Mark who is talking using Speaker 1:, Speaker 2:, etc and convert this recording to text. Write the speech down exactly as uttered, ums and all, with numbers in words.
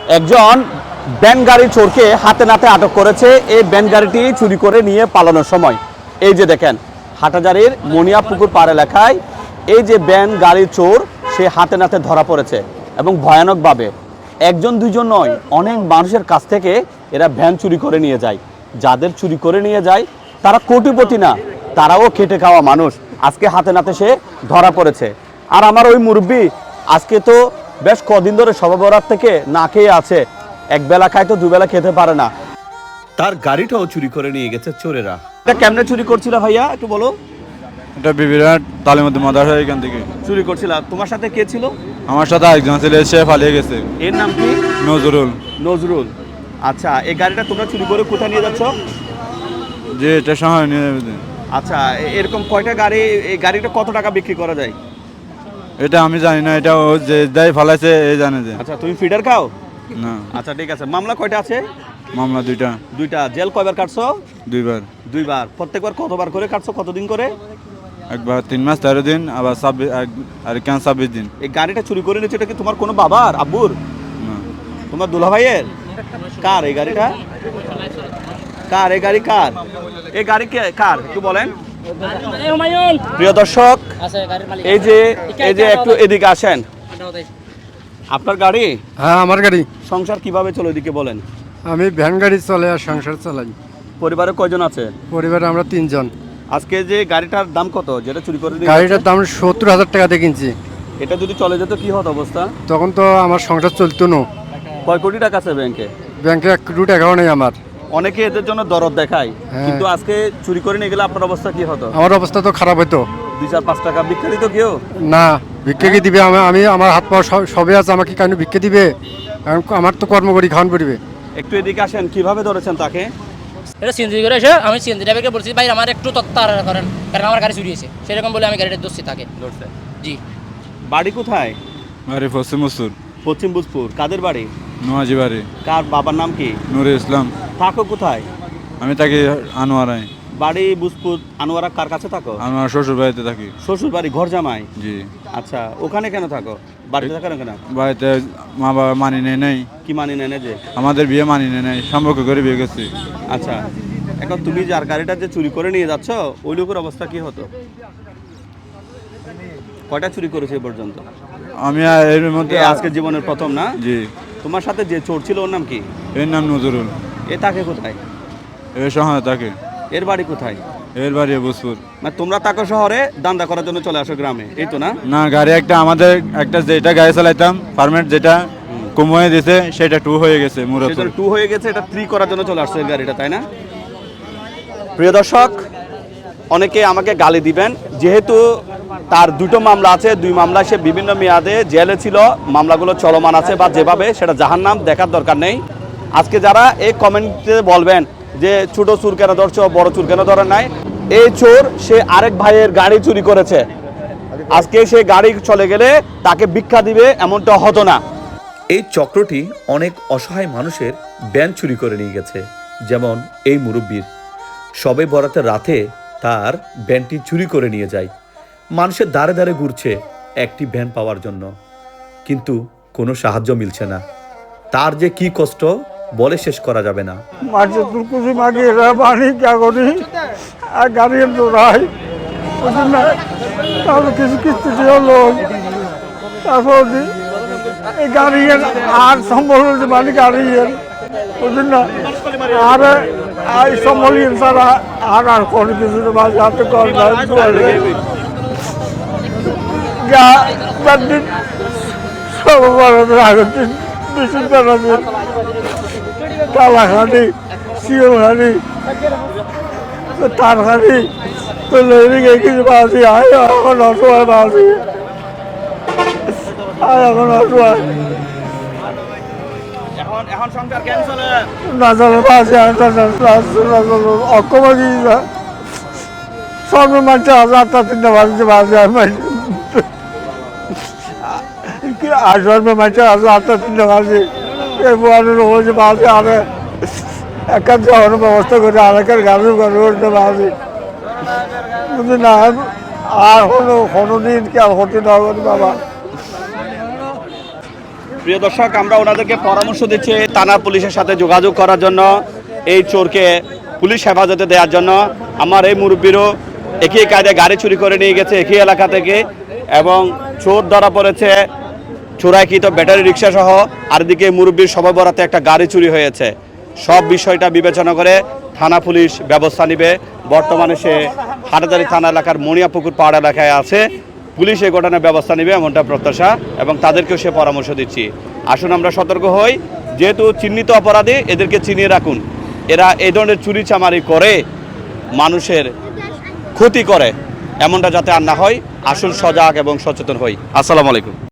Speaker 1: একজন ভ্যান গাড়ি চোরকে হাতে নাতে আটক করেছে এই ভ্যান গাড়িটি চুরি করে নিয়ে পালানোর সময়। এই যে দেখেন হাটাজারির মনিয়াপুকুর পাড় এলাকায় এই যে ভ্যান গাড়ি চোর সে হাতে নাতে ধরা পড়েছে এবং ভয়ানকভাবে একজন দুইজন নয় অনেক মানুষের কাছ থেকে এরা ভ্যান চুরি করে নিয়ে যায়। যাদের চুরি করে নিয়ে যায় তারা কোটিপতি না, তারাও খেটে খাওয়া মানুষ। আজকে হাতে নাতে সে ধরা পড়েছে। আর আমার ওই মুরব্বি আজকে তো বেশ কদিন ধরে শবে বরাত থেকে না খেয়ে আছে, এক বেলা খায় তো দুবেলা খেতে পারে না। তার গাড়িটাও চুরি করে নিয়ে গেছে চোরেরা। এটা কেমনে চুরি করছিল ভাইয়া একটু বলো।
Speaker 2: এটা বিবিরাট তালিমুদ্দিন মাদ্রাসা এখান থেকে
Speaker 1: চুরি করছিল। তোমার সাথে কে ছিল?
Speaker 2: আমার সাথে একজন ছিল, সে পালিয়ে গেছে।
Speaker 1: এর নাম কি?
Speaker 2: নজরুল।
Speaker 1: নজরুল। আচ্ছা, এই গাড়িটা তোমরা চুরি করে কোথায় নিয়ে যাচ্ছ?
Speaker 2: যে এটা সময় নিয়ে যাবে।
Speaker 1: আচ্ছা, এরকম কয়টা গাড়ি, এই গাড়িটা কত টাকা বিক্রি করা যায়?
Speaker 2: এটা আমি জানি না, এটা ও যে যাই ফালাইছে এই জানে যে।
Speaker 1: আচ্ছা, তুমি ফিডার খাও
Speaker 2: না?
Speaker 1: আচ্ছা ঠিক আছে। মামলা কয়টা আছে?
Speaker 2: মামলা দুইটা।
Speaker 1: দুইটা। জেল কয়বার কাটছো?
Speaker 2: দুইবার।
Speaker 1: দুইবার। প্রত্যেকবার কতবার করে কাটছো, কতদিন করে?
Speaker 2: একবার তিন মাস তেরো দিন, আবার ছাব্বিশ আর কেন ছাব্বিশ দিন।
Speaker 1: এই গাড়িটা চুরি করে নিচ্ছে, এটা কি তোমার কোনো বাবার, আব্বুর,
Speaker 2: না
Speaker 1: তোমার দুলা ভাইয়ের? কার এই গাড়িটা? কার এই গাড়ি? কার এই গাড়ি? কে কার একটু বলেন। প্রিয় দর্শক, এই যে এই যে একটু এদিকে আসেন। আপনার গাড়ি?
Speaker 3: হ্যাঁ আমার গাড়ি।
Speaker 1: সংসার কিভাবে চলে এদিকে বলেন।
Speaker 3: আমি ভ্যান গাড়ি চলে আর সংসার চালাই।
Speaker 1: পরিবারে কয়জন আছে?
Speaker 3: পরিবারে আমরা তিনজন।
Speaker 1: আজকে যে গাড়িটার দাম কত যেটা চুরি করে নিয়ে
Speaker 3: গাড়িটার দাম সত্তর হাজার টাকা দিয়ে কিনছি।
Speaker 1: এটা যদি চলে যেত কি হতো অবস্থা?
Speaker 3: তখন তো আমার সংসার চলতো না।
Speaker 1: কয় কোটি টাকা আছে ব্যাংকে?
Speaker 3: ব্যাংকে এক কোটি টাকাও নেই আমার।
Speaker 1: অনেকে এদের জন্য দরদ দেখায়,
Speaker 3: হ্যাঁ।
Speaker 1: কিন্তু আজকে চুরি করে নিয়ে গেলে আপনার অবস্থা কি হতো?
Speaker 3: আমার অবস্থা তো খারাপ হতো।
Speaker 1: দুই চার পাঁচ টাকা ভিক্ষা দিত কেউ?
Speaker 3: না, ভিক্ষে কি দিবে? আমি আমি আমার হাত পা সব- সবে আছে, আমাকে কেন ভিক্ষে দিবে? কারণ আমার তো কর্ম করি, খাওয়ান পড়বে।
Speaker 1: একটু এদিকে আসেন। কিভাবে ধরেছেন তাকে?
Speaker 4: এটা সিএনজি করে এসে আমি সিএনজি ড্রাইভারকে বলছি, ভাই আমার একটু তত্ত্বার করেন, কারণ আমার গাড়ি চুরি হয়েছে। সেরকম বলে আমি গাড়িটা দোষী তাকে
Speaker 1: ধরছে।
Speaker 4: জি।
Speaker 1: বাড়ি কোথায়?
Speaker 2: বাড়ি পশ্চিম মসুর।
Speaker 1: পশ্চিম বুজপুর। কাদের বাড়ি?
Speaker 2: নোয়াজি বাড়ি।
Speaker 1: কার বাবার নাম কি?
Speaker 2: নুরে ইসলাম।
Speaker 1: থাকো কোথায়?
Speaker 2: আমি থাকি আনোয়ারায়।
Speaker 1: বাড়ি বুজপুর। আনোয়ারা কার কাছে থাকো?
Speaker 2: আমার শ্বশুর বাড়িতে থাকি।
Speaker 1: শ্বশুর বাড়ি, ঘর জামাই?
Speaker 2: জি।
Speaker 1: আচ্ছা, ওখানে কেন থাকো? বাড়িতে থাকো না কেন?
Speaker 2: বাড়িতে মা বাবা মানি নেই নেই।
Speaker 1: কি মানি নেয় না যে?
Speaker 2: আমাদের বিয়ে মানি নেই নেই, সম্পর্ক করে বিয়ে করছি।
Speaker 1: আচ্ছা, এখন তুমি যার গাড়িটা যে চুরি করে নিয়ে যাচ্ছ ওই লোকের অবস্থা কি হতো? কয়টা চুরি করেছে এ পর্যন্ত?
Speaker 2: আমি আর এর মধ্যে
Speaker 1: এ আজকে জীবনের প্রথম না?
Speaker 2: জি।
Speaker 1: তোমার সাথে যে চোর ছিল ওর নাম কি?
Speaker 2: এর নাম নজরুল।
Speaker 1: এ থাকে কোথায়?
Speaker 2: এর শহরে থাকে।
Speaker 1: এর বাড়ি কোথায়?
Speaker 2: এর বাড়ি বুসপুর।
Speaker 1: মানে তোমরা তাকে শহরে দান্দা করার জন্য চলে আসো গ্রামে, এই তো না?
Speaker 2: না, গাড়ি একটা আমাদের একটা যেটা গাড়ি চালাইতাম পারমিট যেটা কম হয়ে দিছে সেটা টু হয়ে গেছে মুরত।
Speaker 1: সেটা টু হয়ে গেছে, এটা থ্রি করার জন্য চলে আসছে এই গাড়িটা, তাই না? প্রিয় দর্শক, অনেকে আমাকে গালি দিবেন, যেহেতু তার দুটো মামলা আছে, দুই মামলা সে বিভিন্ন মেয়াদে জেলে ছিল, মামলাগুলো চলমান আছে বা যেভাবে সেটা জাহান্নাম, দেখার দরকার নেই। আজকে যারা এই কমেন্টে বলবেন যে ছোট চোর কেন ধরছো, বড় চোর কেন ধরেন নাই, এই চোর সে আরেক ভাইয়ের গাড়ি চুরি করেছে। আজকে সে গাড়ি চলে গেলে তাকে ভিক্ষা দিবে এমনটা হতো না। এই চক্রটি অনেক অসহায় মানুষের ভ্যান চুরি করে নিয়ে গেছে, যেমন এই মুরব্বীর। সবে বরাতের রাতে তার ভ্যানটি চুরি করে নিয়ে যায়। মানুষের দ্বারে দ্বারে ঘুরছে একটি ভ্যান পাওয়ার জন্য, কিন্তু কোনো সাহায্য মিলছে না। তার যে কি কষ্ট বলে শেষ করা যাবে না।
Speaker 3: মাঝে তুলকুচি মাটি এরা পানি কাগরি আর গাড়ি দৌড়াই, বুঝলেন না? তাহলে কিছু কিস্তি দিয়ে লোক, তারপর এই গাড়ি আর সম্বল মানে গাড়ি, বুঝলেন না? আর এই সম্বল ছাড়া আর আর কোনো কিছু মাঝে হাতে কর সব আগের দিন বেশি দিন কালাখানি, শিওখানি, তারখানি তো লেগে কিছু পাচ্ছি। আয় এখন অসহায় পাচ্ছি, আয় এখন অসহায় না চলে পাচ্ছি। অক্ষম সব মানছে হাজারটা তিনটা বাজছে বাজে আর সর্ব মানছে হাজারটা তিনটা বাজে হয়েছে বাজে। আরে একার যাওয়ার ব্যবস্থা করে আরেকের গাড়ি করতে পারছি, বুঝলি না? আর কোনো কোনো দিন কি আর হতে না বাবা।
Speaker 1: প্রিয় দর্শক, আমরা ওনাদেরকে পরামর্শ দিচ্ছি থানা পুলিশের সাথে যোগাযোগ করার জন্য, এই চোরকে পুলিশ হেফাজতে দেওয়ার জন্য। আমার এই মুরব্বীরও একই কায়দায় গাড়ি চুরি করে নিয়ে গেছে একই এলাকা থেকে, এবং চোর ধরা পড়েছে চোরাইকৃত ব্যাটারি রিক্সা সহ। আর দিকে মুরব্বীর সবাই বরাতে একটা গাড়ি চুরি হয়েছে। সব বিষয়টা বিবেচনা করে থানা পুলিশ ব্যবস্থা নেবে। বর্তমানে সে হাটাজারি থানা এলাকার মণিয়াপুকুর পাহাড় এলাকায় আছে। পুলিশ এই ঘটনার ব্যবস্থা নেবে এমনটা প্রত্যাশা, এবং তাদেরকেও সে পরামর্শ দিচ্ছি। আসুন আমরা সতর্ক হই, যেহেতু চিহ্নিত অপরাধী, এদেরকে চিনিয়ে রাখুন। এরা এই ধরনের চুরি চামারি করে মানুষের ক্ষতি করে, এমনটা যাতে আর না হয়। আসুন সজাগ এবং সচেতন হই। আসসালামু আলাইকুম।